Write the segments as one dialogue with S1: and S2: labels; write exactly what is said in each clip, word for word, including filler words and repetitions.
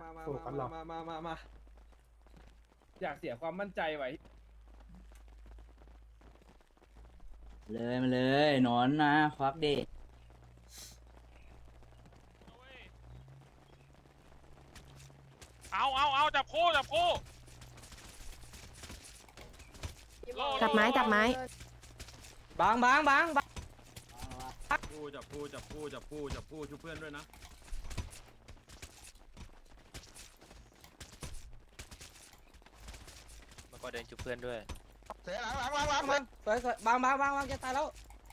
S1: มา
S2: สู้กันหรอ
S1: มามามามาอยากเสียความมั่นใจไว้
S3: เลยมาเลยนอนนะควักเด็ก
S4: เอาเอาเอาจับคู่จับคู่
S5: จับไม้จับไม้
S1: บางบางบางบาง
S6: คู่จับคู่จับคู่จับคู่จับคู่ช่วยเพื่อนด้วยนะ
S4: มาก็เดินจุบเพื่อนด้วย
S1: เสียหลังหลังหลังหลังมันสวยสวยบางบางบางบางจะตายแล้ว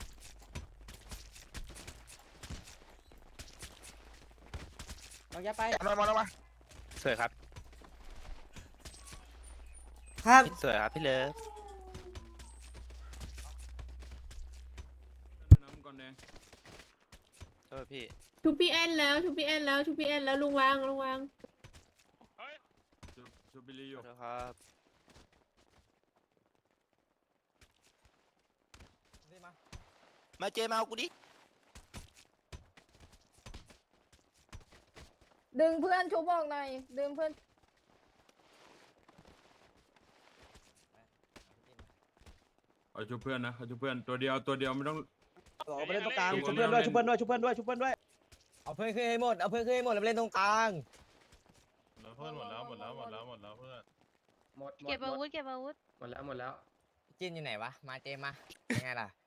S1: บางจะไปมามามา
S4: สวยครับ
S3: ครับ
S4: สวยครับพี่เลิฟ
S6: น้ำก่อนแดง
S4: เออพี่
S5: ทุบพี่แอนแล้วทุบพี่แอนแล้วทุบพี่แอนแล้วลุงวางลุงวาง
S6: ชูชูบิลีอ
S4: ขอยู่ โทษครับ มาเจมาเอากูดิ
S7: ดึงเพื่อนชุบบอกหน่อยดึงเพื่อน
S6: เอาช่วยเพื่อนนะเอาช่วยเพื่อนตัวเดียวตัวเดียวไม่ต้อง
S1: ออกไปเล่นตรงกลาง
S6: ชุ
S1: ชุ
S6: บบ เพื่
S1: เพื่
S6: อ
S1: อน น
S6: ด้
S1: ด้
S6: ว
S1: วย ยชุบเพื่อนด้วยชุบเพื่อนด้วยชุบเพื่อนด้วยชุบเพื่อนด้วยเอาเพื่อนขึ้นให้หมดเอาเพื่อนขึ้นให้หมดแล้วไปเล่นตรงกลาง
S8: เพื่อนหมดแล้วหมดแล้วหมดแล้วหมดแล้วเพื่อน
S9: หมดหมด
S7: เก็บอาวุธเก็บอาวุธ
S9: หมดแล้วหมดแล้ว
S1: จินอยู่ไหนวะมาเจมมายังไงล่ะ